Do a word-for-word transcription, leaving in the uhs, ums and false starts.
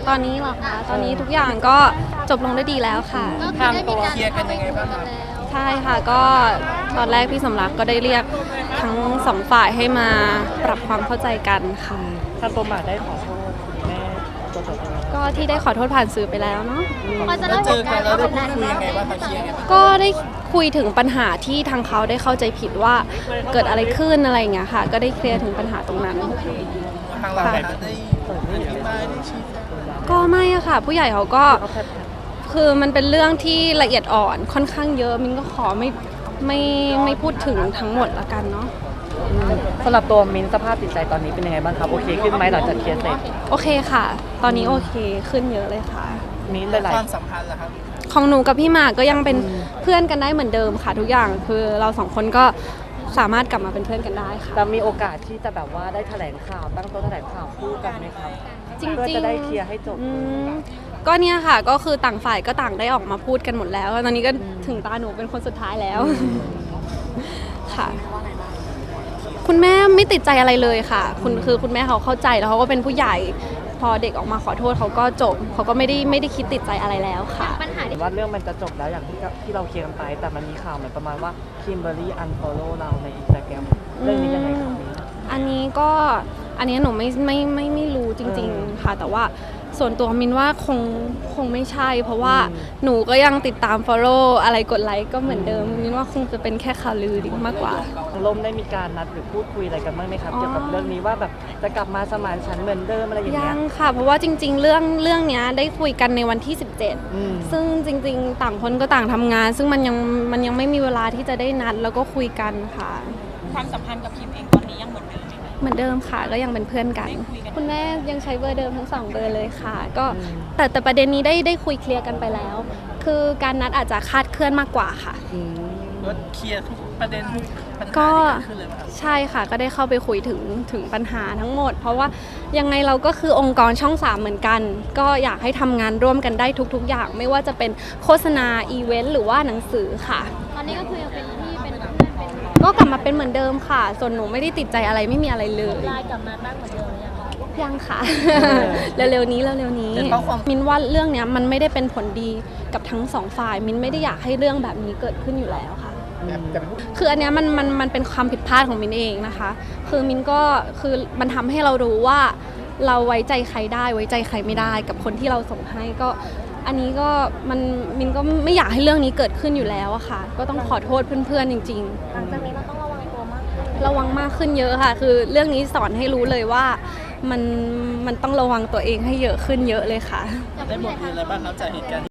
ตอนนี้เหรอคะตอนนี้ทุกอย่างก็จบลงได้ดีแล้วค่ะทางตัวเคลียร์กันยังไงบ้างคะใช่ค่ะก็ตอนแรกพี่สมรักก็ได้เรียกทั้งสองฝ่ายให้มาปรับความเข้าใจกันค่ะทางตัวหมากได้ขอโทษคุณแม่ตัวตัวตัวก็ที่ได้ขอโทษผ่านสื่อไปแล้วเนาะพอจะเล่าเจอกันแล้วได้พูดคุยยังไงบ้างคะเคลียร์ยังไงบ้างก็ได้คุยถึงปัญหาที่ทางเขาได้เข้าใจผิดว่าเกิดอะไรขึ้นอะไรอย่างเงี้ยค่ะ ก็ได้เคลียร์ถึงปัญหาตรงนั้นทางเราได้ได้อธิบายได้ชี้แจงก็ไม่อะค่ะ ผู้ใหญ่เขาก็คือมันเป็นเรื่องที่ละเอียดอ่อนค่อนข้างเยอะมินก็ขอไม่ไม่ไม่พูดถึงทั้งหมดละกันเนาะสำหรับตัวมิ้นท์สภาพจิตใจตอนนี้เป็นยังไงบ้างครับโอเคขึ้นไหมหลังจากเคลียร์เสร็จโอเคค่ะ ตอนนี้โอเคขึ้นเยอะเลยค่ะมิ้นท์หลายความสัมพันธ์ล่ะครับของหนูกับพี่หมากก็ยังเป็นเพื่อนกันได้เหมือนเดิมค่ะ ทุกอย่างคือเราสองคนก็สามารถกลับมาเป็นเพื่อนกันได้ค่ะๆแล้วมีโอกาสที่จะแบบว่าได้แถลงข่าวตั้งโต๊ะแถลงข่าวคู่กันไหมครับจริงๆเพื่อจะได้เคลียร์ให้จบอืมก็เนี่ยค่ะก็คือต่างฝ่ายก็ต่างได้ออกมาพูดกันหมดแล้ว ตอนนี้ก็ถึงตาหนูเป็นคนสุดท้ายแล้วค่ะ คุณแม่ไม่ติดใจอะไรเลยค่ะ คุณคือคุณแม่เขาเข้าใจแล้วเขาก็เป็นผู้ใหญ่ พอเด็กออกมาขอโทษเขาก็จบเขาก็ไม่ได้ไม่ได้คิดติดใจอะไรแล้วค่ะปัญหาเห็นว่าเรื่องมันจะจบแล้วอย่างที่ที่เราเคลียร์กันไป แต่มันมีข่าวเหมือนประมาณว่าคิมเบอร์รี่อันฟอลโล่เราในอินสตาแกรมเรื่องนี้ยังไงครับมิ้นท์อันนี้ก็อันนี้หนูไม่ไม่ไม่ไม่รู้จริง ๆ ค่ะ แต่ว่าส่วนตัวมินว่าคงคงไม่ใช่ เพราะว่าหนูก็ยังติดตาม follow อะไรกดไลค์ก็เหมือนเดิมมินว่าคงจะเป็นแค่ข่าวลือดีมากกว่าทางลมได้มีการนัดหรือพูดคุยอะไรกันบ้างไหมครับอ๋อเกี่ยวกับเรื่องนี้ว่าแบบจะกลับมาสมานฉันท์เหมือนเดิมอะไรอย่างยัเงี้ยงค่ะ เพราะว่าจริง ๆ เรื่องเรื่องเนี้ยได้คุยกันในวันที่ สิบเจ็ดอืมซึ่งจริง ๆ ต่างคนก็ต่างทำงาน ซึ่งมันยังมันยังไม่มีเวลาที่จะได้นัดแล้วก็คุยกันค่ะความสัมพันธ์กับคิมเองตอนนี้ยังเหมือนเดิมไหมคะเหมือนเดิมค่ะก็ยังเป็นเพื่อนกันได้คุยกันคุณแม่ยังใช้เบอร์เดิมทั้งสองเบอร์เลยค่ะ ก็แต่แต่ประเด็นนี้ได้ได้คุยเคลียร์กันไปแล้ว คือการนัดอาจจะคลาดเคลื่อนมากกว่าค่ะอืมว่าเคลียร์ทุกประเด็นทุกปัญหาก็ที่เกิดขึ้นเลยไหมครับใช่ค่ะ ก็ได้เข้าไปคุยถึงถึงปัญหาทั้งหมด เพราะว่ายังไงเราก็คือองค์กรช่องสามเหมือนกัน ก็อยากให้ทำงานร่วมกันได้ทุกๆ อย่าง ไม่ว่าจะเป็นโฆษณาอีเวนต์หรือว่าหนังสือค่ะตอนนี้ก็คือยังเป็นพี่เป็นเพื่อนเป็นก็กลับมาเป็นเหมือนเดิมค่ะ ส่วนหนูไม่ได้ติดใจอะไรไม่มีอะไรเลยไลน์กลับมาตั้งเหมือนเดิมหรือยังคะยังค่ะ เร็วๆนี้เร็วๆนี้เป็นเพราะความมินว่าเรื่องเนี้ยมันไม่ได้เป็นผลดีกับทั้งสองฝ่าย มินไม่ได้อยากให้เรื่องแบบนี้เกิดขึ้นอยู่แล้วค่ะแต่พูดคืออันเนี้ยมันมันมันเป็นความผิดพลาดของมินเองนะคะ คือมินก็คือมันทำให้เรารู้ว่าเราไว้ใจใครได้ไว้ใจใครไม่ได้กับคนที่เราส่งให้ก็อันนี้ก็มันมินก็ไม่อยากให้เรื่องนี้เกิดขึ้นอยู่แล้วอะค่ะ ก็ต้องขอโทษเพื่อนๆจริงหลังจากนี้เราต้องระวังตัวมากขึ้นๆ ระวังมากขึ้นเยอะค่ะ คือเรื่องนี้สอนให้รู้เลยว่ามันมันต้องระวังตัวเองให้เยอะขึ้นเยอะเลยค่ะได้บทเรียนอะไรบ้างครับจากเหตุการณ์